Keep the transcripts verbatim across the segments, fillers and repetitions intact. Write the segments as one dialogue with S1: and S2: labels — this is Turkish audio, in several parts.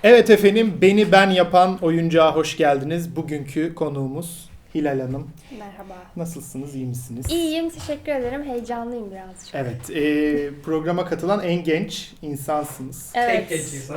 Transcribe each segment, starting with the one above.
S1: Evet efendim, Beni Ben Yapan oyuncağa hoş geldiniz. Bugünkü konuğumuz Hilal Hanım.
S2: Merhaba.
S1: Nasılsınız, iyi misiniz?
S2: İyiyim, teşekkür ederim. Heyecanlıyım birazcık.
S1: Evet, e, programa katılan en genç insansınız.
S2: Evet.
S3: Tek genç insan.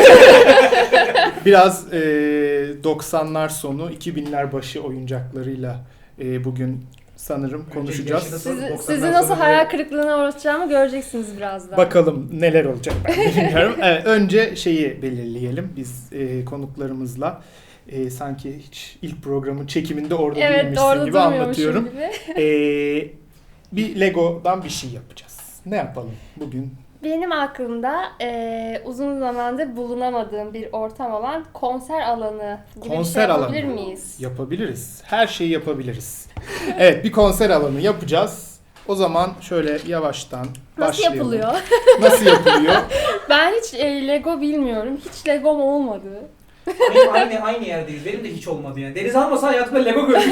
S1: Biraz e, doksanlar sonu, iki binler başı oyuncaklarıyla e, bugün sanırım konuşacağız.
S3: Yaşını
S2: Sizi,
S3: doksanlar
S2: sizi nasıl
S3: sonu
S2: hayal
S3: böyle-
S2: kırıklığına uğratacağımı göreceksiniz birazdan.
S1: Bakalım neler olacak ben bilmiyorum. Evet, önce şeyi belirleyelim biz e, konuklarımızla. E, sanki hiç ilk programın çekiminde orada
S2: Evet,
S1: değilmişsin
S2: doğru
S1: gibi anlatıyorum.
S2: gibi.
S1: E, bir Lego'dan bir şey yapacağız. Ne yapalım bugün?
S2: Benim aklımda e, uzun zamandır bulunamadığım bir ortam olan konser alanı gibi
S1: Konser
S2: bir şey yapabilir
S1: alanı.
S2: miyiz?
S1: Yapabiliriz. Her şeyi yapabiliriz. Evet, bir konser alanı yapacağız. O zaman şöyle yavaştan
S2: Nasıl
S1: başlayalım.
S2: yapılıyor?
S1: Nasıl yapılıyor?
S2: Ben hiç e, Lego bilmiyorum. Hiç Lego'm olmadı.
S3: Aynı, aynı, aynı yerdeyiz. Benim de hiç olmadı yani. Deniz almasa hayatımda Lego gördüm.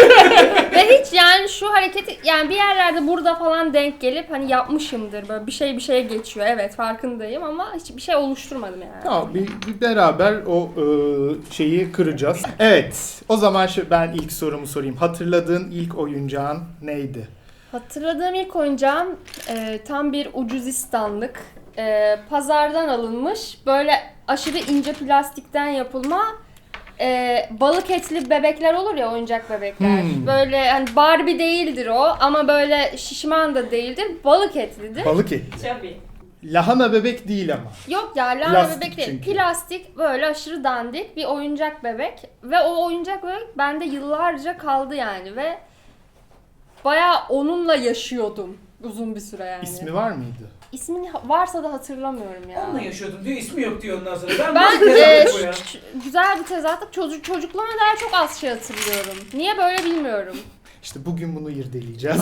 S2: Ve hiç yani şu hareketi yani bir yerlerde burada falan denk gelip hani yapmışımdır. Böyle bir şey bir şeye geçiyor. Evet farkındayım ama hiçbir şey oluşturmadım yani.
S1: Tamam, bir, bir beraber o e, şeyi kıracağız. Evet, o zaman şu, ben ilk sorumu sorayım. Hatırladığın ilk oyuncağın neydi?
S2: Hatırladığım ilk oyuncağım e, tam bir ucuzistanlık. E, pazardan alınmış böyle aşırı ince plastikten yapılma e, balık etli bebekler olur ya, oyuncak bebekler.
S1: Hmm.
S2: Böyle hani Barbie değildir o ama böyle şişman da değildir, balık etlidir.
S1: Balık etli.
S4: Tabii.
S1: Lahana bebek değil ama.
S2: Yok ya, lahana
S1: Plastik
S2: bebek değil.
S1: çünkü.
S2: Plastik böyle aşırı dandik bir oyuncak bebek. Ve o oyuncak bebek bende yıllarca kaldı yani ve bayağı onunla yaşıyordum uzun bir süre yani.
S1: İsmi var mıydı?
S2: İsmini ha- varsa da hatırlamıyorum ya.
S3: Onunla yaşıyordum diyor. İsmi yok diyor ondan sonra. Ben,
S2: Ben
S3: nasıl
S2: e,
S3: tezahürat bu ya?
S2: ş- ş- güzel bir tezatlık, çocuk çocukluğuma dair çok az şey hatırlıyorum. Niye böyle bilmiyorum.
S1: İşte bugün bunu irdeleyeceğiz.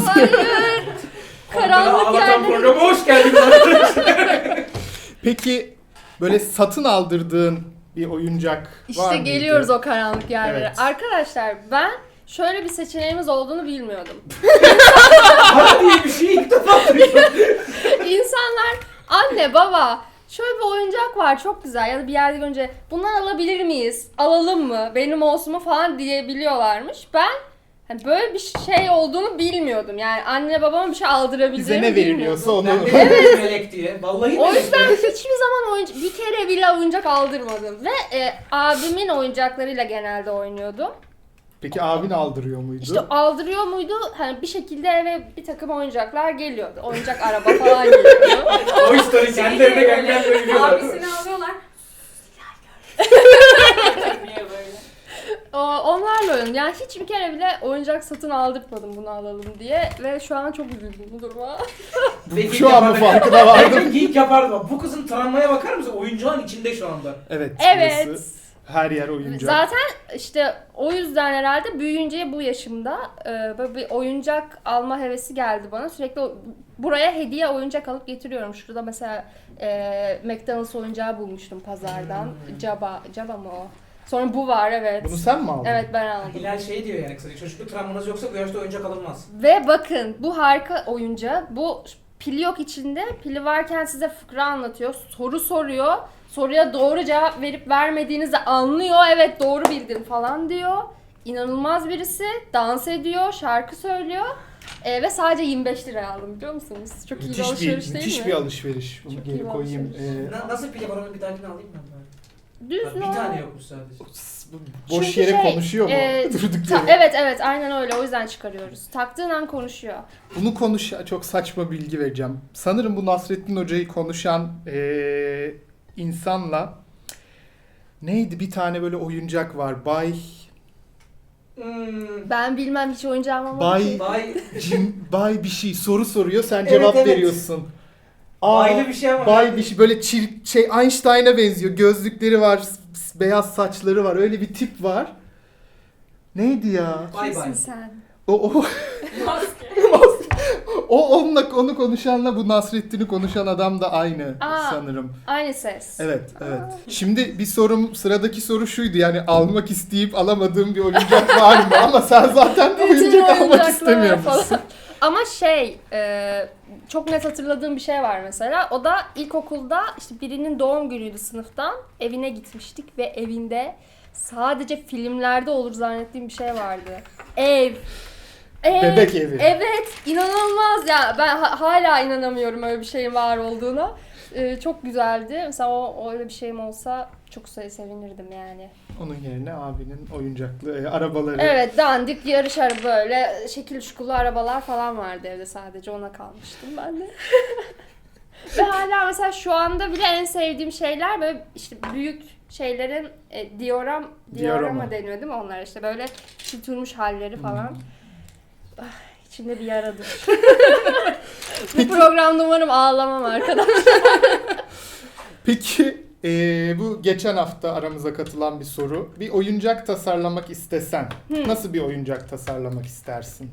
S2: Karanlık
S3: Anlatan
S2: yerlere-
S3: programa hoş geldiniz arkadaşlar.
S1: Peki böyle satın aldırdığın bir oyuncak var
S2: İşte
S1: mıydı?
S2: geliyoruz o karanlık yerlere.
S1: Evet.
S2: Arkadaşlar ben şöyle bir seçeneğimiz olduğunu bilmiyordum.
S3: Para diye bir şey ilk defa duyuyorum.
S2: İnsanlar anne baba şöyle bir oyuncak var çok güzel ya da bir yerde görünce bundan alabilir miyiz? Alalım mı? Benim olsun mu falan diyebiliyorlarmış. Ben hani böyle bir şey olduğunu bilmiyordum. Yani anne babama bir şey aldırabileceğimi
S1: Bize ne veriliyorsa
S2: bilmiyordum.
S1: onu...
S3: Ben de melek diye. Vallahi
S2: O
S3: melek
S2: yüzden
S3: diye.
S2: hiçbir zaman oyuncak, bir kere bile oyuncak aldırmadım. Ve e, abimin oyuncaklarıyla genelde oynuyordum.
S1: Peki abin aldırıyor muydu?
S2: İşte aldırıyor muydu? Hani bir şekilde eve bir takım oyuncaklar geliyordu. Oyuncak araba falan geliyordu.
S3: O story kendi evine gelmeyen böyle biliyorlar.
S4: Abisini alıyorlar. Niye böyle?
S2: O, onlarla oynadım. Yani hiçbir kere bile oyuncak satın aldırtmadım bunu alalım diye. Ve şu an çok üzüldüm bu duruma.
S3: Belki
S1: Şu an mı
S3: yapardı.
S1: farkına vardım?
S3: Belki geek yapardı bak. Bu kızın travmaya bakar mısın? Oyuncağın içinde şu anda.
S1: Evet.
S2: Evet.
S1: burası her yer oyuncak.
S2: Zaten işte o yüzden herhalde büyüyünce bu yaşımda e, böyle bir oyuncak alma hevesi geldi bana. Sürekli o- buraya hediye oyuncak alıp getiriyorum. Şurada mesela e, McDonald's oyuncağı bulmuştum pazardan.
S3: Hmm.
S2: Jabba, Jabba mı o? Sonra bu var, evet.
S1: Bunu sen mi aldın?
S2: Evet, ben aldım.
S3: Hilal şey diyor yani kısaca. Çocukluk travmanız yoksa bu yaşta oyuncak alınmaz.
S2: Ve bakın bu harika oyuncağı. Bu pili yok içinde. Pili varken size fıkra anlatıyor. Soru soruyor. Soruya doğru cevap verip vermediğinizi anlıyor. Evet doğru bildin falan diyor. İnanılmaz birisi. Dans ediyor. Şarkı söylüyor. Ee, ve sadece yirmi beş liraya aldım, biliyor musunuz? Çok iyi bir
S1: Müthiş
S2: alışveriş
S1: bir,
S2: değil
S1: müthiş
S2: mi?
S1: bir alışveriş. Bunu
S2: Çok iyi
S1: geri
S2: bir
S1: koyayım.
S2: alışveriş.
S1: Ee,
S3: Na- Nasıl pili var onu bir dahakine alayım mı?
S2: Düz
S3: Bak, bir
S2: no-
S3: tane yokmuş sadece.
S1: boş
S2: Çünkü
S1: yere
S2: şey,
S1: konuşuyor mu?
S2: e,
S1: Durduk
S2: Ta-
S1: yere.
S2: evet evet aynen öyle, o yüzden çıkarıyoruz. Taktığın an konuşuyor.
S1: Bunu konuş, çok saçma bilgi vereceğim. Sanırım bu Nasrettin Hoca'yı konuşan ee, insanla neydi, bir tane böyle oyuncak var. Bay
S3: Hmm.
S2: Ben bilmem, hiç oyuncağım olmadı
S1: Bay
S2: ki.
S3: Bay...
S1: Cim, Bay bir şey soru soruyor, sen
S3: Evet,
S1: cevap
S3: evet.
S1: veriyorsun. Aa,
S3: Baylı bir şey ama.
S1: Bay bir şey böyle çir, şey Einstein'a benziyor. Gözlükleri var, s- beyaz saçları var. Öyle bir tip var. Neydi ya?
S3: Bay
S2: Kimsin
S3: bay.
S2: sen?
S1: O o
S4: Maske.
S1: o onunla onu konuşanla bu Nasrettin'i konuşan adam da aynı
S2: Aa.
S1: sanırım.
S2: Aynı ses.
S1: Evet, evet. Şimdi bir sorum, sıradaki soru şuydu, yani almak isteyip alamadığım bir oyuncak var mı? Ama sen zaten
S2: Bütün
S1: oyuncak almak
S2: oyuncaklar
S1: istemiyor
S2: falan.
S1: musun?
S2: Ama şey, e, çok net hatırladığım bir şey var mesela. O da ilkokulda işte birinin doğum günüydü sınıftan. Evine gitmiştik ve evinde sadece filmlerde olur zannettiğim bir şey vardı. Ev. Ev.
S1: Bebek evi.
S2: Evet, inanılmaz ya. Ben ha- hala inanamıyorum öyle bir şeyin var olduğuna. Ee, çok güzeldi. Mesela o öyle bir şeyim olsa çok se- sevinirdim yani.
S1: Onun yerine abinin oyuncaklı e, arabaları.
S2: Evet, dandik yarış araba böyle şekil şukulu arabalar falan vardı evde, sadece ona kalmıştım ben de. Ve hala mesela şu anda bile en sevdiğim şeyler böyle işte büyük şeylerin e, dioram diorama
S1: Diorama.
S2: deniyor değil mi onlar, işte böyle küçültülmüş halleri falan.
S1: Hmm.
S2: Ah, içimde bir yaradır. Bu programda umarım ağlamam arkadaşlar.
S1: Peki e, bu geçen hafta aramıza katılan bir soru. Bir oyuncak tasarlamak istesen
S2: Hmm.
S1: nasıl bir oyuncak tasarlamak istersin?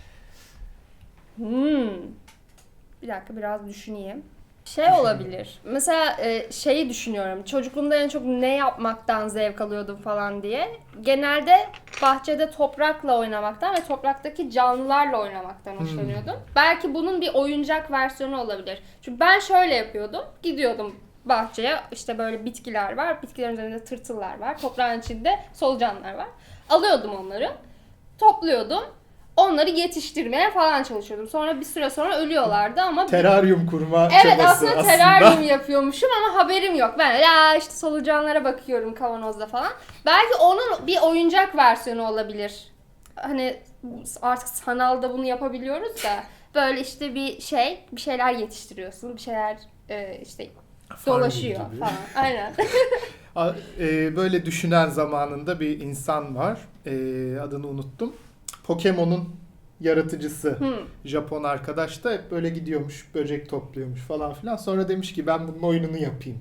S2: Hmm. Bir dakika biraz düşüneyim. Şey olabilir. Mesela e, şeyi düşünüyorum. Çocukluğumda en çok ne yapmaktan zevk alıyordum falan diye. Genelde bahçede toprakla oynamaktan ve topraktaki canlılarla oynamaktan
S1: Hmm.
S2: hoşlanıyordum. Belki bunun bir oyuncak versiyonu olabilir. Çünkü ben şöyle yapıyordum. Gidiyordum bahçeye, işte böyle bitkiler var. Bitkilerin üzerinde tırtıllar var. Toprağın içinde solucanlar var. Alıyordum onları. Topluyordum. Onları yetiştirmeye falan çalışıyordum. Sonra bir süre sonra ölüyorlardı ama
S1: Teraryum kurma
S2: evet,
S1: çabası
S2: aslında
S1: aslında.
S2: teraryum yapıyormuşum ama haberim yok. Ben ya işte solucanlara bakıyorum kavanozda falan. Belki onun bir oyuncak versiyonu olabilir. Hani artık sanalda bunu yapabiliyoruz da böyle işte bir şey, bir şeyler yetiştiriyorsun, bir şeyler e, işte dolaşıyor
S1: Farming gibi.
S2: falan. Aynen.
S1: A- e, Böyle düşünen zamanında bir insan var. E, adını unuttum. Pokemon'un yaratıcısı.
S2: Hmm.
S1: Japon arkadaş da hep böyle gidiyormuş, böcek topluyormuş falan filan. Sonra demiş ki ben bunun oyununu yapayım.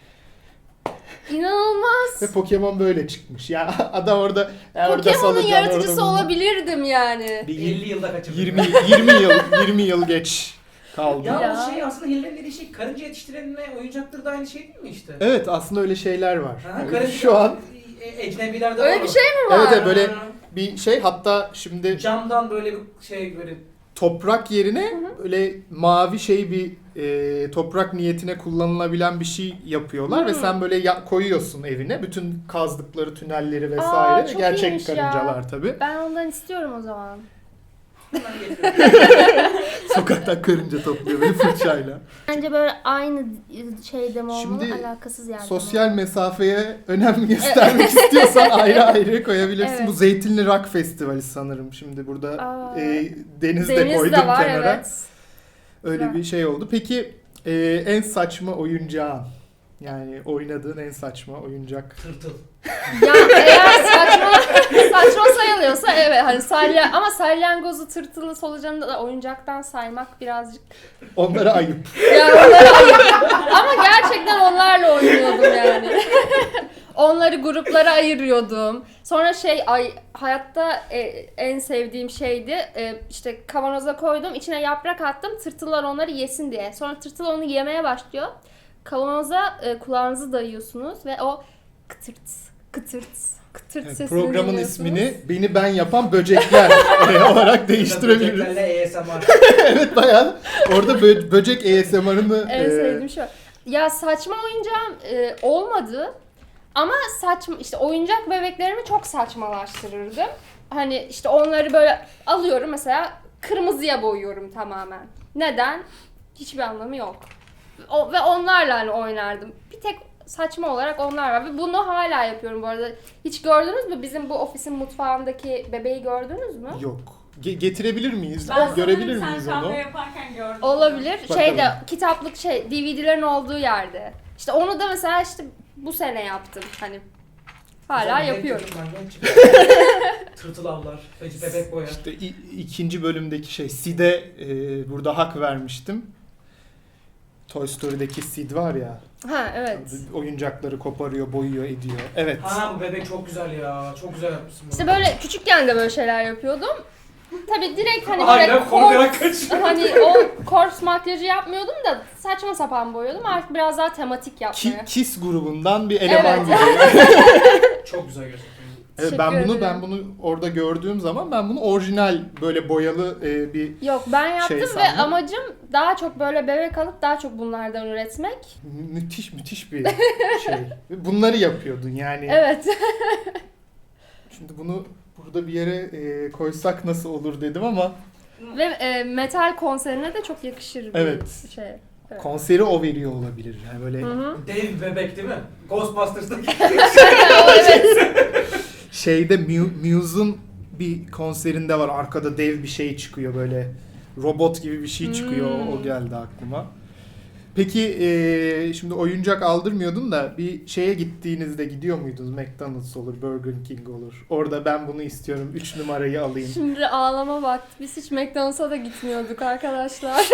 S2: İnanılmaz.
S1: Ve Pokemon böyle çıkmış. Ya adam orada ya orada
S2: Pokemon'un
S1: solucan,
S2: yaratıcısı
S1: orada bunu-
S2: olabilirdim yani.
S1: Bir
S3: elli yılda kaçırdım.
S1: yirmi yirmi yıl yirmi yıl geç kaldı.
S3: Ya,
S2: Ya.
S3: o şey aslında Hiller'in dediği şey karınca yetiştiren ve oyuncaktır da aynı şey değil mi işte?
S1: Evet, aslında öyle şeyler var.
S3: Ha,
S1: Yani
S3: karınca,
S1: şu an
S3: e, ecnebilerde
S2: Öyle
S3: var
S2: bir
S3: o.
S2: şey mi var?
S1: evet, evet, böyle
S3: Ha.
S1: bir şey, hatta şimdi
S3: Camdan böyle bir şey böyle
S1: toprak yerine böyle mavi şey bir e, toprak niyetine kullanılabilen bir şey yapıyorlar ve
S2: Hmm.
S1: sen böyle ya- koyuyorsun evine bütün kazdıkları tünelleri
S2: Aa,
S1: vesaire.
S2: çok
S1: Gerçek
S2: iyiymiş ya.
S1: karıncalar tabii.
S2: Ben ondan istiyorum o zaman.
S3: hemen getiriyorum.
S1: Sokaktan karınca topluyor böyle fırçayla.
S2: Bence böyle aynı şeyde mi olmalı,
S1: Şimdi
S2: alakasız yerde mi
S1: Sosyal
S2: olmalı?
S1: mesafeye önem göstermek istiyorsan ayrı ayrı koyabilirsin.
S2: Evet.
S1: Bu Zeytinli Rock Festivali sanırım. Şimdi burada
S2: Aa,
S1: e, deniz de
S2: Deniz
S1: koydum
S2: de var,
S1: kenara.
S2: evet.
S1: Öyle
S2: Güzel.
S1: bir şey oldu. Peki e, en saçma oyuncağın, yani oynadığın en saçma oyuncak.
S3: Tırtıl.
S2: Ya eğer saçma, saçma sayılıyorsa evet, hani salya, ama salyangozu, tırtılı, solucanı da oyuncaktan saymak birazcık
S1: Onlara ayıp.
S2: ya onları ayır. Ama gerçekten onlarla oynuyordum yani. Onları gruplara ayırıyordum. Sonra şey, ay hayatta e, en sevdiğim şeydi. E, işte kavanoza koydum, içine yaprak attım. Tırtıllar onları yesin diye. Sonra tırtıl onu yemeye başlıyor. Kavanoza e, kulağınızı dayıyorsunuz ve o kıtırt kıtırt kıtırt
S1: Evet,
S2: sesini
S1: programın
S2: dinliyorsunuz.
S1: ismini Beni Ben Yapan Böcekler e, olarak değiştirebiliriz.
S3: Böceklerle A S M R.
S1: Evet, bayağı orada bö- böcek A S M R'ını
S2: En
S1: e,
S2: sevdiğim şey o. Ya saçma oyuncağım e, olmadı. Ama saçma, işte oyuncak bebeklerimi çok saçmalaştırırdım. Hani işte onları böyle alıyorum mesela, kırmızıya boyuyorum tamamen. Neden? Hiçbir anlamı yok. O, ve onlarla hani oynardım. Bir tek saçma olarak onlar var. Ve bunu hala yapıyorum bu arada. Hiç gördünüz mü? Bizim bu ofisin mutfağındaki bebeği gördünüz mü?
S1: yok. Ge- getirebilir miyiz?
S4: Ben
S1: Görebilir
S4: sanırım
S1: miyiz
S4: sen
S1: onu?
S4: kahve yaparken gördüm.
S2: Olabilir.
S1: Bakalım.
S2: Şeyde, kitaplık şey, D V D'lerin olduğu yerde. İşte onu da mesela işte bu sene yaptım. Hani hala
S3: Güzel,
S2: yapıyorum.
S3: genç çocuklar, genç çocuklar. Tırtıl avlar, bebek boyar.
S1: İşte i- ikinci bölümdeki şey Sid'e e, burada hak vermiştim. Toy Story'deki Sid var ya.
S2: Ha evet.
S1: Oyuncakları koparıyor, boyuyor, ediyor. Evet.
S3: Ha, bu bebek çok güzel ya. Çok güzel yapmışsın bunu.
S2: İşte böyle küçükken de böyle şeyler yapıyordum. Tabii direkt hani
S3: Aynen,
S2: böyle
S3: korkarak
S2: korps,
S3: kaç.
S2: hani o korps makyajı yapmıyordum da saçma sapan boyuyordum. Artık biraz daha tematik
S1: Ki-
S2: yapmaya.
S1: Kiss grubundan bir eleman
S2: Evet.
S1: gibi.
S3: Çok güzel gerçekten.
S1: Evet,
S2: Teşekkür
S1: ben bunu
S2: ederim.
S1: ben bunu orada gördüğüm zaman ben bunu orijinal böyle boyalı e, bir
S2: Yok ben yaptım
S1: Şey
S2: ve
S1: sandım.
S2: amacım daha çok böyle bebek alıp daha çok bunlardan üretmek.
S1: mü- müthiş müthiş bir şey. Bunları yapıyordun yani.
S2: Evet.
S1: Şimdi bunu burada bir yere e, koysak nasıl olur dedim ama
S2: Ve e, metal konserine de çok yakışır bir
S1: Evet.
S2: şey. Evet.
S1: konseri o veriyor olabilir. Yani böyle
S2: Hı hı.
S3: Dev bebek değil mi? Ghostbusters'taki.
S2: O evet.
S1: şeyde Mu- Muse'un bir konserinde var. Arkada dev bir şey çıkıyor böyle. Robot gibi bir şey çıkıyor.
S2: Hmm.
S1: O geldi aklıma. Peki e, şimdi oyuncak aldırmıyordun da bir şeye gittiğinizde gidiyor muydunuz? McDonald's olur, Burger King olur. Orada ben bunu istiyorum. üç numarayı alayım.
S2: Şimdi ağlama vakti. Biz hiç McDonald's'a da gitmiyorduk arkadaşlar.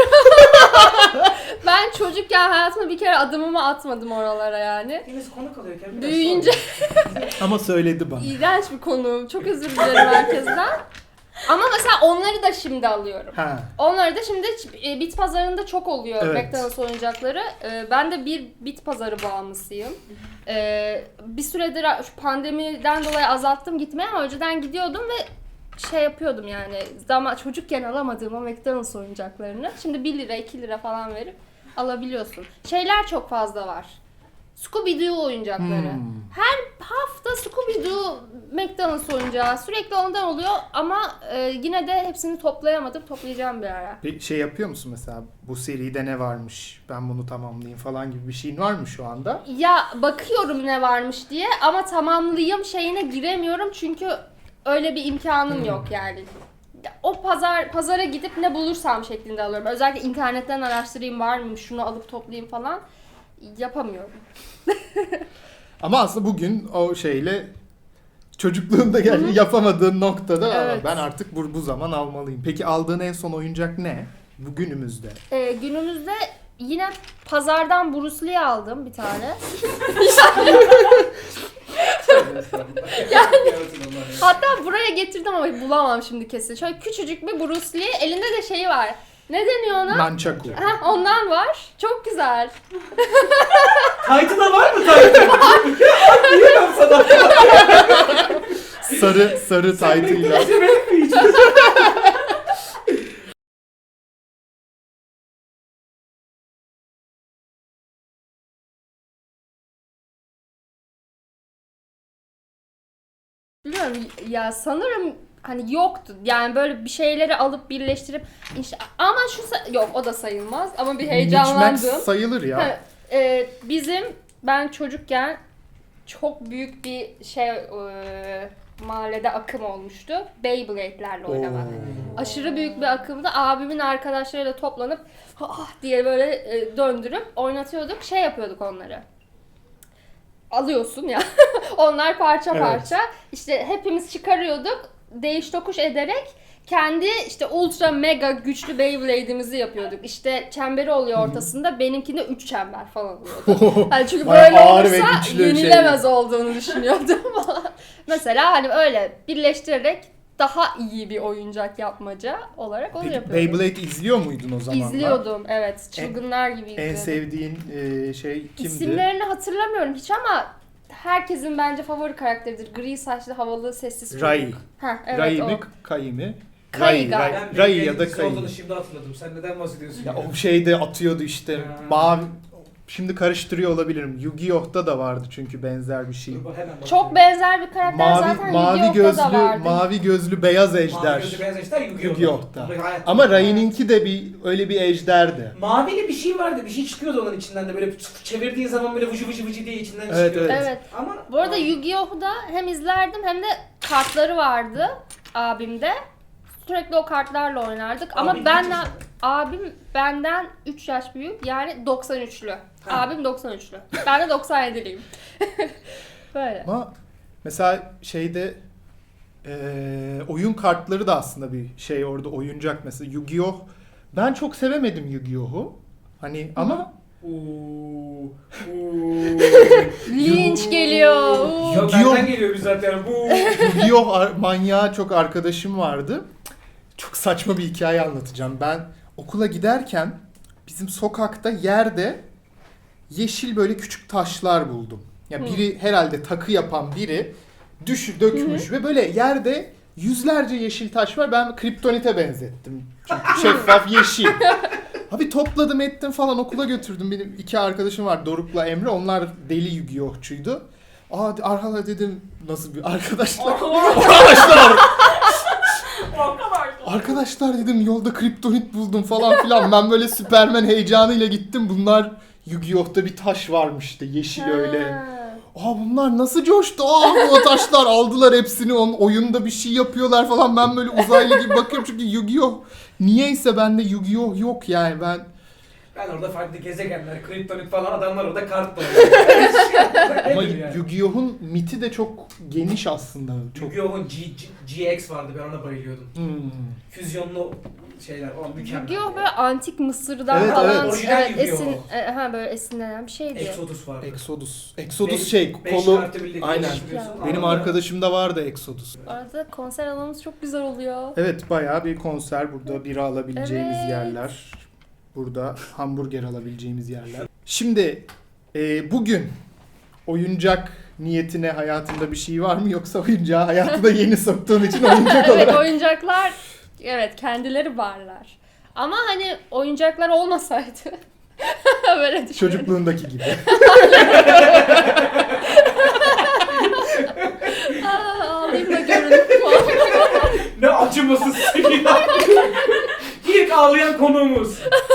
S2: Ben çocukken hayatımda bir kere adımımı atmadım oralara yani.
S3: Deniz konu kalıyorken biraz
S2: Büyüyünce
S1: Ama söyledi bana.
S2: iğrenç bir konu. Çok özür dilerim herkesten. Ama mesela onları da şimdi alıyorum.
S1: Ha.
S2: Onları da şimdi e, bit pazarında çok oluyor
S1: Evet.
S2: McDonald's oyuncakları. E, Ben de bir bit pazarı bağımlısıyım. E, Bir süredir şu pandemiden dolayı azalttım gitmeye ama önceden gidiyordum ve şey yapıyordum yani. Zaman çocukken alamadığım o McDonald's oyuncaklarını şimdi bir lira iki lira falan verip alabiliyorsun. Şeyler çok fazla var. Scooby-Doo oyuncakları.
S1: Hmm.
S2: Hafta Scooby-Doo McDonald's oyuncağı sürekli ondan oluyor ama e, yine de hepsini toplayamadım. Toplayacağım bir ara.
S1: Bir şey yapıyor musun mesela? Bu seride ne varmış? Ben bunu tamamlayayım falan gibi bir şeyin var mı şu anda?
S2: Ya bakıyorum ne varmış diye ama tamamlayayım şeyine giremiyorum çünkü öyle bir imkanım
S1: Hmm.
S2: yok yani. O pazar pazara gidip ne bulursam şeklinde alıyorum. Özellikle internetten araştırayım var mı şunu alıp toplayayım falan yapamıyorum.
S1: Ama aslında bugün o şeyle çocukluğunda yani yapamadığın noktada
S2: Evet.
S1: ben artık bu, bu zaman almalıyım. Peki aldığın en son oyuncak ne? Bugünümüzde.
S2: Ee, günümüzde yine pazardan Bruce Lee aldım bir tane.
S3: Yani.
S2: Hatta buraya getirdim ama bulamam şimdi kesin. Şöyle küçücük bir Bruce Lee. Elinde de şeyi var. Ne deniyor ona?
S1: Nunchaku.
S2: Heh, ondan var. Çok güzel.
S3: Taytı da var mı Taytı? Diyemem sana.
S1: Sarı sarı taytıyla.
S2: Bilmiyorum ya sanırım hani yoktu. Yani böyle bir şeyleri alıp birleştirip işte ama şu sa- yok o da sayılmaz ama bir heyecanlandım.
S1: Mix-Max sayılır ya.
S2: Ha, e, bizim ben çocukken çok büyük bir şey e, mahallede akım olmuştu. Beyblade'lerle oynamak.
S1: Oo.
S2: Aşırı büyük bir akımda abimin arkadaşlarıyla toplanıp ah diye böyle e, döndürüp oynatıyorduk. Şey yapıyorduk onları. Alıyorsun ya. Onlar parça
S1: Evet.
S2: parça. İşte hepimiz çıkarıyorduk. Değiş tokuş ederek kendi işte ultra mega güçlü Beyblade'imizi yapıyorduk. İşte çemberi oluyor ortasında. Benimkinde üç çember falan oluyordu. Yani çünkü
S1: Bayağı
S2: böyle
S1: ağır ve
S2: olursa
S1: güçlü
S2: yenilemez olduğunu düşünüyordum falan. Mesela hani öyle birleştirerek daha iyi bir oyuncak yapmaca olarak onu
S1: Peki
S2: yapıyordum.
S1: Beyblade izliyor muydun o zamanlar?
S2: İzliyordum evet. Çılgınlar gibi
S1: En
S2: izliyordum.
S1: sevdiğin e, şey kimdi?
S2: İsimlerini hatırlamıyorum hiç ama herkesin bence favori karakteridir. Gri saçlı havalı sessiz çocuk.
S1: Rai.
S2: Heh, evet
S1: Rai
S2: o.
S1: mi? Kai mi?
S2: Kai
S1: Rai,
S2: galiba.
S1: Rai, Rai ya da
S3: Kai.
S1: Kai.
S3: olduğunu şimdi hatırladım. Sen neden bahsediyorsun?
S1: Ya o şeyde atıyordu işte
S3: Ha.
S1: mavi. Şimdi karıştırıyor olabilirim. Yu-Gi-Oh'ta da vardı çünkü benzer bir şey.
S3: Dur, bak, hemen
S2: Çok
S3: bakıyorum.
S2: benzer bir karakter
S1: Mavi
S2: zaten
S1: mavi
S2: Yu-Gi-Oh'ta
S1: gözlü
S2: da vardı.
S1: mavi gözlü beyaz
S3: Mavi
S1: ejder.
S3: gözlü beyaz ejder Yu-Gi-Oh'ta.
S1: Yu-Gi-Oh'ta.
S3: Gayet-
S1: Ama Rai'ninki de bir öyle bir ejderdi.
S3: Mavili bir şey vardı. Bir şey çıkıyordu onun içinden de böyle çevirdiğin zaman böyle vıcı vıcı vıcı diye içinden
S1: Evet,
S3: çıkıyor.
S1: evet.
S2: Evet.
S3: Ama
S2: Bu arada Yu-Gi-Oh'u da hem izlerdim hem de kartları vardı abimde. Sürekli o kartlarla oynardık ama
S3: Abin
S2: ben
S3: kaç yaşında?
S2: abim benden üç yaş büyük yani doksan üçlü.
S3: Ha.
S2: Abim doksan üçlü. Ben de doksan yediliyim. Böyle.
S1: Ama mesela şeyde eee, oyun kartları da aslında bir şey orada oyuncak mesela Yu-Gi-Oh. Ben çok sevemedim Yu-Gi-Oh'u. Hani ama
S3: Uuu. Uuu.
S2: Linç geliyor. Uuu.
S3: Yok
S1: Yu-Gi-Oh!
S3: benden geliyor biz zaten. Bu.
S1: Yu-Gi-Oh ar- manyağı çok arkadaşım vardı. Çok saçma bir hikaye anlatacağım. Ben okula giderken bizim sokakta yerde yeşil böyle küçük taşlar buldum. Ya biri herhalde takı yapan biri düş dökmüş ve böyle yerde yüzlerce yeşil taş var. Ben kriptonite benzettim. Çünkü şeffaf yeşil. Abi topladım ettim falan okula götürdüm. Benim iki arkadaşım var Doruk'la Emre. Onlar deli Yu-Gi-Oh'çuydu. Aa arkadaşlar dedim nasıl bir arkadaşlar? arkadaşlar!
S4: O kadar da.
S1: Arkadaşlar dedim yolda kriptonit buldum falan filan. Ben böyle Süpermen heyecanıyla gittim. Bunlar Yu-Gi-Oh'ta bir taş varmıştı yeşil öyle.
S2: Ha.
S1: Aa bunlar nasıl coştu? Aa bu taşlar aldılar hepsini. Onun oyunda bir şey yapıyorlar falan. Ben böyle uzaylı gibi bakıyorum çünkü Yu-Gi-Oh! Niyeyse bende Yu-Gi-Oh! Yok yani ben.
S3: Ben orada farklı gezegenler, kriptonit falan adamlar orada kart da
S1: Ama
S3: Nedir yani?
S1: Yu-Gi-Oh!'un miti de çok geniş aslında. Çok...
S3: Yu-Gi-Oh'un G, G, GX vardı ben ona bayılıyordum.
S1: Hmm.
S3: Füzyonlu şeyler o mükemmel.
S2: Yu-Gi-Oh böyle antik Mısır'dan
S1: Evet,
S2: falan
S1: evet.
S3: Orijinal
S2: evet,
S3: Yu-Gi-Oh!
S2: esin e, ha böyle esinlenen bir şeydi.
S3: Exodus vardı.
S1: Exodus. Exodus
S3: Beş-
S1: şey
S3: beş
S1: kolu.
S3: kartı birlikte
S1: Aynen.
S3: geçiriyorsun.
S1: Benim
S3: Arada-
S1: arkadaşımda vardı Exodus.
S2: Arada konser alanımız çok güzel oluyor.
S1: Evet bayağı bir konser burada bira alabileceğimiz
S2: Evet.
S1: yerler. Burada hamburger alabileceğimiz yerler. Şimdi e, bugün oyuncak niyetine hayatında bir şey var mı yoksa oyuncağı hayatına yeni soktuğun için oyuncak
S2: Evet
S1: olarak?
S2: oyuncaklar evet kendileri varlar. Ama hani oyuncaklar olmasaydı böyle düşünüyorum.
S1: Çocukluğundaki gibi.
S2: Aa, ağlayayım da görün.
S3: Ne acımasızsın ya. İlk ağlayan konuğumuz.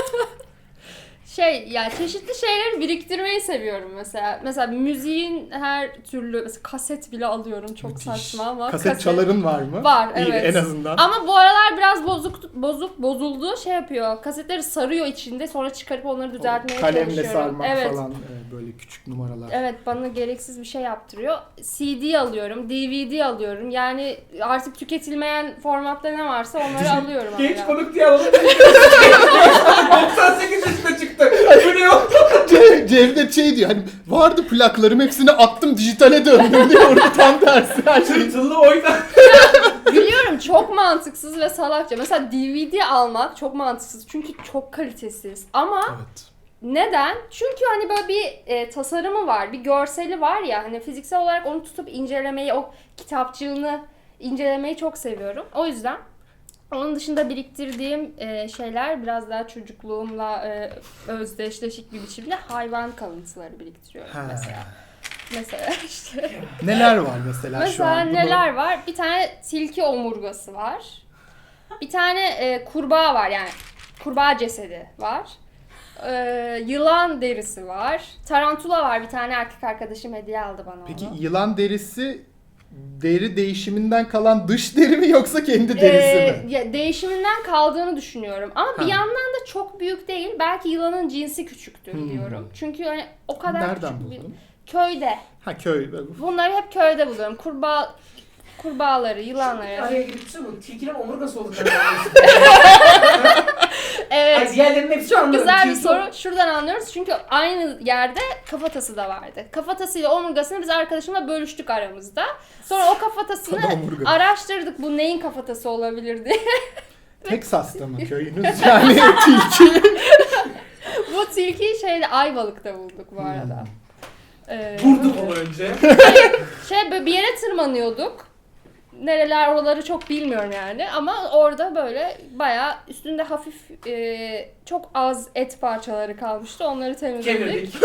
S2: Şey yani çeşitli şeyleri biriktirmeyi seviyorum mesela. Mesela müziğin her türlü mesela kaset bile alıyorum çok
S1: Müthiş.
S2: saçma ama
S1: Kaset çaların var mı?
S2: Var,
S1: İyi,
S2: evet.
S1: en azından.
S2: Ama bu aralar biraz bozuk bozuk bozuldu şey yapıyor. Kasetleri sarıyor içinde sonra çıkarıp onları düzeltmeye
S1: Kalemle
S2: çalışıyorum.
S1: sarmak
S2: Evet.
S1: falan e, böyle küçük numaralar.
S2: Evet bana gereksiz bir şey yaptırıyor. C D alıyorum, D V D alıyorum. Yani artık tüketilmeyen formatta ne varsa onları alıyorum.
S3: Genç
S2: hala.
S3: konuk diye alalım. doksan sekiz yaşında çıktı. Bu ne o?
S1: Ce- Cevdet şey diyor hani vardı plaklarım hepsini attım dijitale döndüm diyor. Orada tam tersi her şey.
S3: Tırtıllı oyna.
S2: Biliyorum çok mantıksız ve salakça. Mesela D V D almak çok mantıksız çünkü çok kalitesiz. Ama
S1: Evet.
S2: neden? Çünkü hani böyle bir e, tasarımı var, bir görseli var ya hani fiziksel olarak onu tutup incelemeyi, o kitapçığını incelemeyi çok seviyorum. O yüzden onun dışında biriktirdiğim e, şeyler biraz daha çocukluğumla e, özdeşleşik bir biçimde hayvan kalıntıları biriktiriyorum
S1: Ha.
S2: mesela. Mesela işte.
S1: Neler var mesela, şu
S2: Mesela
S1: an? Bunu-
S2: neler var? Bir tane tilki omurgası var. Bir tane e, kurbağa var yani kurbağa cesedi var. Ee, yılan derisi var. Tarantula var. Bir tane erkek arkadaşım hediye aldı bana
S1: Peki
S2: onu.
S1: yılan derisi deri değişiminden kalan dış deri mi yoksa kendi derisi
S2: Ee,
S1: mi?
S2: ya, değişiminden kaldığını düşünüyorum. Ama
S1: Ha.
S2: bir yandan da çok büyük değil. Belki yılanın cinsi küçüktür
S1: Hmm.
S2: diyorum. Çünkü hani o kadar
S1: Nereden
S2: küçük bir...
S1: buldun?
S2: Köyde.
S1: Ha köy.
S2: Bunları hep köyde buluyorum. Kurbağa kurbağaları, yılanları.
S3: Araya girip şey bu. Tilkinin omurgası oldu.
S2: Evet.
S3: Ay diğerlerinin hepsi
S2: Çok
S3: anlarım.
S2: güzel bir
S3: Tilki-
S2: soru. Şuradan anlıyoruz. Çünkü aynı yerde kafatası da vardı. Kafatasıyla omurgasını biz arkadaşımla bölüştük aramızda. Sonra o kafatasını
S1: Tabii omurga.
S2: araştırdık. Bu neyin kafatası olabilir diye.
S1: Texas'ta mı köyünüz? Yani tilki.
S2: Bu tilkiyi şeyde Ayvalık'ta bulduk bu arada. Ee,
S3: Vurduk onu önce.
S2: Şey böyle bir yere tırmanıyorduk. Nereler oraları çok bilmiyorum yani ama orada böyle bayağı üstünde hafif e, çok az et parçaları kalmıştı. Onları temizledik.
S3: Kemirdik.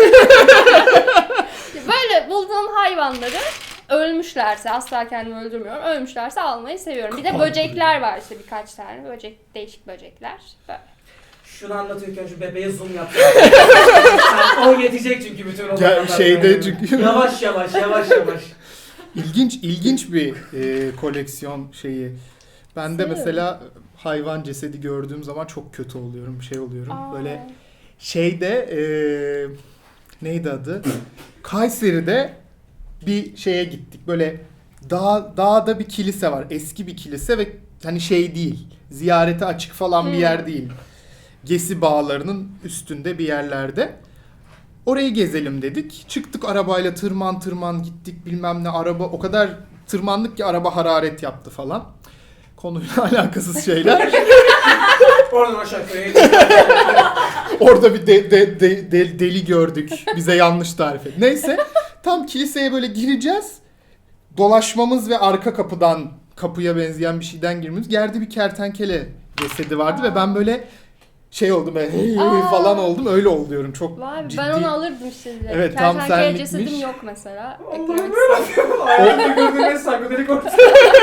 S2: Böyle bulduğum hayvanları ölmüşlerse asla kendimi öldürmüyorum. Ölmüşlerse almayı seviyorum. Bir de
S1: Kapan
S2: böcekler var işte birkaç tane. Böcek değişik böcekler. Böyle.
S3: Şunu anlatırken şu bebeğe zoom yaptım. O yetecek çünkü bütün o
S1: Gel- şeyde çünkü-
S3: Yavaş yavaş yavaş yavaş.
S1: İlginç ilginç bir e, koleksiyon şeyi. Ben de
S2: Seviyorum.
S1: mesela hayvan cesedi gördüğüm zaman çok kötü oluyorum, şey oluyorum.
S2: Aa.
S1: Böyle şeyde e, neydi adı? Kayseri'de bir şeye gittik. Böyle dağ, dağda bir kilise var. Eski bir kilise ve hani şey değil. Ziyarete açık falan bir
S2: Hmm.
S1: yer değil. Gesi bağlarının üstünde bir yerlerde. Orayı gezelim dedik. Çıktık arabayla tırman tırman gittik bilmem ne araba o kadar tırmandık ki araba hararet yaptı falan. Konuyla alakasız şeyler.
S3: Oradan aşağı köye.
S1: Orada bir de, de- de- de- deli gördük. Bize yanlış tarif et. Neyse tam kiliseye böyle gireceğiz. dolaşmamız ve arka kapıdan kapıya benzeyen bir şeyden girmemiz. Yerde bir kertenkele cesedi vardı ve ben böyle şey oldum böyle "Hey"
S2: Aa.
S1: falan oldum. Öyle oluyorum. Çok
S2: Vay be,
S1: ciddi.
S2: ben onu alırdım işte. direkt.
S1: Evet, tam
S2: Kertenkele
S1: senlikmiş.
S2: cesedim yok mesela.
S3: Allah'ım
S2: Eklemek
S3: yarabbim. Hayatımda gördüğüm en psikodelik ortam.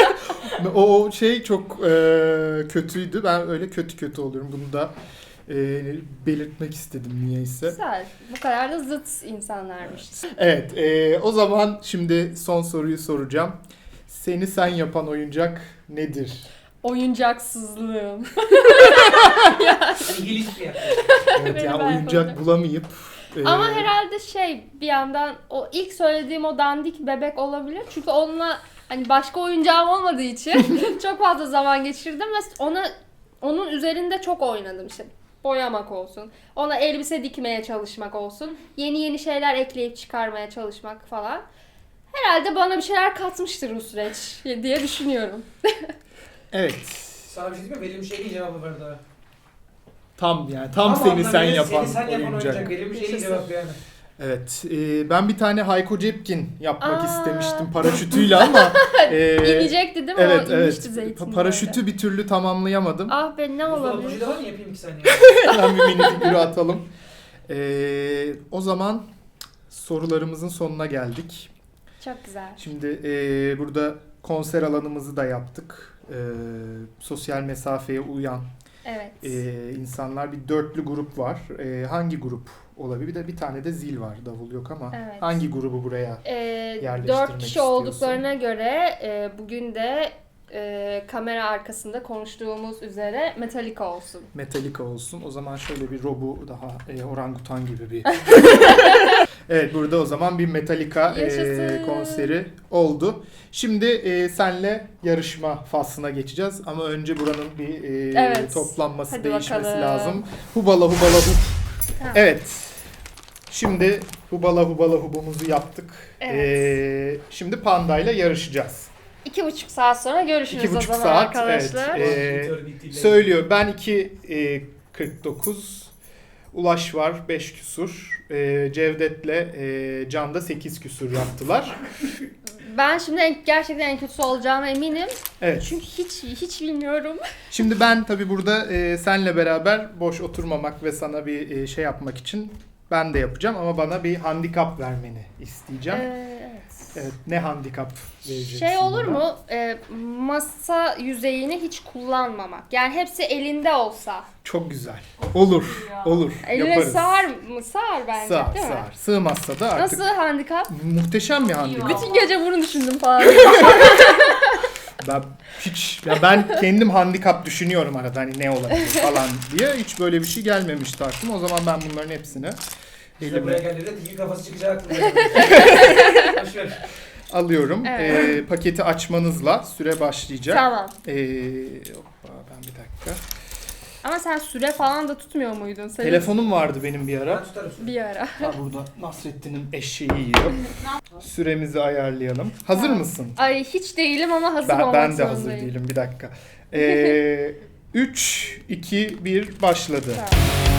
S1: O o şey çok e, kötüydü. Ben öyle kötü kötü oluyorum. Bunu da e, belirtmek istedim niyeyse.
S2: Güzel. Bu kadar da zıt insanlarmış.
S1: Evet, e, o zaman şimdi son soruyu soracağım. Seni sen yapan oyuncak nedir?
S2: Oyuncaksızlığım.
S3: İngiliz bir yaklaşım.
S1: Evet,
S2: Benim
S1: yani
S2: ben
S1: oyuncak
S2: yapacağım.
S1: bulamayıp e,
S2: Ama herhalde şey bir yandan o ilk söylediğim o dandik bebek olabilir. Çünkü onunla hani başka oyuncağım olmadığı için çok fazla zaman geçirdim ve ona onun üzerinde çok oynadım işte. Boyamak olsun, ona elbise dikmeye çalışmak olsun, yeni yeni şeyler ekleyip çıkarmaya çalışmak falan. Herhalde bana bir şeyler katmıştır bu süreç diye düşünüyorum.
S1: evet.
S3: Sana bir şey diyeyim mi? Verilmiş en iyi cevabı verdi ha.
S1: Tam yani tam
S3: Ama
S1: seni sen
S3: anlamıyla
S1: yapan
S3: seni sen yapan
S1: oyuncak.
S3: oyuncak. Verilmiş en iyi
S2: Yaşasın.
S3: cevap yani.
S1: Evet, e, ben bir tane Hayko Cepkin yapmak
S2: Aa.
S1: istemiştim paraşütüyle ama e,
S2: İnecekti değil mi?
S1: evet
S2: o
S1: evet
S2: inmişti zeytin.
S1: paraşütü bir türlü tamamlayamadım.
S2: Ah be ne olabilir?
S3: Buzdolabı da var mı yapayım iki saniye?
S1: Hemen bir mini figürü atalım. E, o zaman sorularımızın sonuna geldik.
S2: Çok güzel.
S1: Şimdi e, burada konser alanımızı da yaptık. E, sosyal mesafeye uyan
S2: Evet.
S1: e, insanlar, bir dörtlü grup var. E, hangi grup olabilir? Bir de bir tane de zil var. Davul yok ama
S2: Evet.
S1: hangi grubu buraya?
S2: Ee,
S1: yerleştirmek
S2: dört kişi
S1: istiyorsun?
S2: olduklarına göre e, bugün de e, kamera arkasında konuştuğumuz üzere Metallica olsun.
S1: Metallica olsun. O zaman şöyle bir robu daha e, orangutan gibi bir. Evet, burada o zaman bir Metallica e,
S2: Yaşasın.
S1: konseri oldu. Şimdi e, senle yarışma faslına geçeceğiz ama önce buranın bir e,
S2: Evet.
S1: toplanması,
S2: Hadi
S1: değişmesi
S2: bakalım.
S1: lazım. Hubala hubala hub.
S2: Tamam.
S1: Evet. Şimdi hubala hubala hubumuzu yaptık.
S2: Evet.
S1: E, şimdi pandayla yarışacağız.
S2: İki buçuk saat sonra görüşürüz
S1: İki
S2: o
S1: buçuk
S2: zaman
S1: saat,
S2: arkadaşlar.
S1: evet. Ee, Söylüyor. Ben iki kırk dokuz. Ulaş var beş küsur. E, Cevdet'le e, Can'da sekiz küsur yaptılar.
S2: Ben şimdi en, gerçekten en kötüsü olacağıma eminim.
S1: Evet.
S2: Çünkü hiç hiç bilmiyorum.
S1: Şimdi ben tabii burada e, senle beraber boş oturmamak ve sana bir e, şey yapmak için ben de yapacağım ama bana bir handikap vermeni isteyeceğim.
S2: Ee, evet.
S1: Evet, ne handikap vereceksin
S2: Şey olur
S1: bana?
S2: mu? Ee, masa yüzeyini hiç kullanmamak. Yani hepsi elinde olsa.
S1: Çok güzel. Olur. Olur.
S2: Eline
S1: Yaparız.
S2: sığar mı? Sığar bence
S1: Sığar,
S2: değil mi?
S1: sığar. Sığmazsa da artık
S2: Nasıl handikap?
S1: muhteşem bir handikap.
S2: Bütün gece bunu düşündüm falan.
S1: Ben hiç ya ben kendim handikap düşünüyorum arada hani ne olabilir falan diye, hiç böyle bir şey gelmemişti aklıma. O zaman ben bunların hepsini
S3: İşte buraya
S1: elime
S3: geldiğinde tilki kafası çıkacak aklımda. Boşver.
S1: alıyorum.
S2: Evet.
S1: Ee, paketi açmanızla süre başlayacak.
S2: Tamam.
S1: Ee, hoppa, ben bir dakika.
S2: Ama sen süre falan da tutmuyor muydun? Senin
S1: Telefonum vardı benim bir
S3: Ben
S1: ara.
S3: tutarım.
S2: bir ara.
S1: Ha, burada Nasrettin'in eşeği yiyor. Süremizi ayarlayalım. Hazır
S2: Tamam.
S1: mısın?
S2: Ay hiç değilim ama hazır
S1: Ben,
S2: olmak
S1: ben de
S2: zorundayım.
S1: hazır değilim, bir dakika. Ee, üç, iki, bir başladı.
S2: Tamam.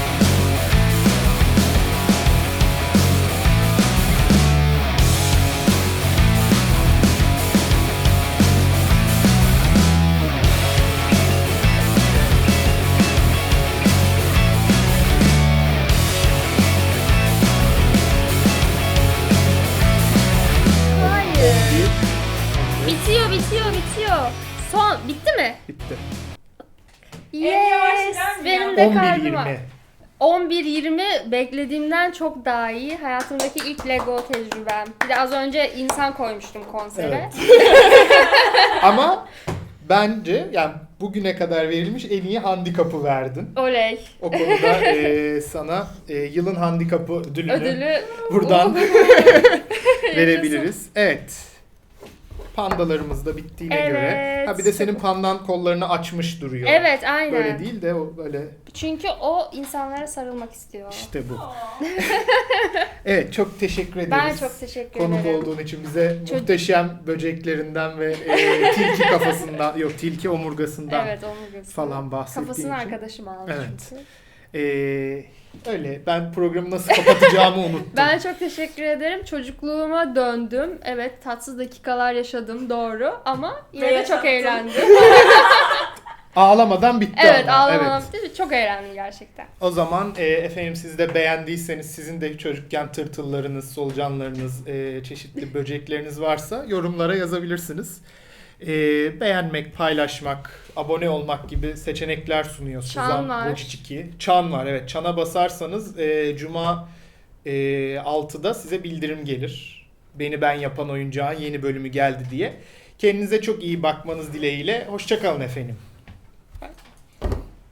S2: Hayır.
S1: Bir,
S2: Bitiyor, bitiyor, bitiyor. Son, bitti mi?
S1: bitti.
S4: En yavaş
S2: Yes.
S4: giden mi
S2: Benim
S4: ya?
S2: de
S1: on bir
S2: kalbim var.
S1: yirmi.
S2: on bir yirmi beklediğimden çok daha iyi. Hayatımdaki ilk Lego tecrübem. Bir de az önce insan koymuştum konsere.
S1: Evet. Ama bence yani bugüne kadar verilmiş en iyi handikapı verdin.
S2: Oley.
S1: O konuda e, sana e, yılın handikapı ödülünü
S2: Ödülü
S1: buradan verebiliriz. Evet. Pandalarımız da bittiğine
S2: Evet.
S1: göre. Ha bir de senin pandan kollarını açmış duruyor.
S2: Evet, aynen.
S1: Böyle değil de o böyle
S2: Çünkü o insanlara sarılmak istiyor.
S1: işte bu. Evet, çok teşekkür ederiz.
S2: Ben çok teşekkür
S1: Konuk
S2: ederim.
S1: olduğun için bize
S2: Çocuk-
S1: muhteşem böceklerinden ve e, tilki kafasından, yok tilki omurgasından
S2: Evet, omurgası.
S1: falan bahsettiğin
S2: Kafasını
S1: için.
S2: arkadaşım aldı
S1: Evet.
S2: çünkü.
S1: E, Öyle ben programı nasıl kapatacağımı unuttum.
S2: Ben çok teşekkür ederim. Çocukluğuma döndüm. Evet, tatsız dakikalar yaşadım, doğru, ama yine
S4: Ve
S2: de çok
S4: yaşattın.
S2: eğlendim.
S1: Ağlamadan bitti
S2: Evet,
S1: ama.
S2: ağlamadan
S1: Evet.
S2: bitti. Çok eğlendim gerçekten.
S1: O zaman e, efendim siz de beğendiyseniz sizin de çocukken tırtıllarınız, solucanlarınız, e, çeşitli böcekleriniz varsa yorumlara yazabilirsiniz. E, beğenmek, paylaşmak, abone olmak gibi seçenekler sunuyor
S2: Çan
S1: Suzan
S2: var.
S1: Wojcicki. Çan var, evet. Çana basarsanız e, Cuma e, altıda size bildirim gelir. Beni Ben Yapan Oyuncağın yeni bölümü geldi diye. Kendinize çok iyi bakmanız dileğiyle. Hoşça kalın efendim.
S2: Bye.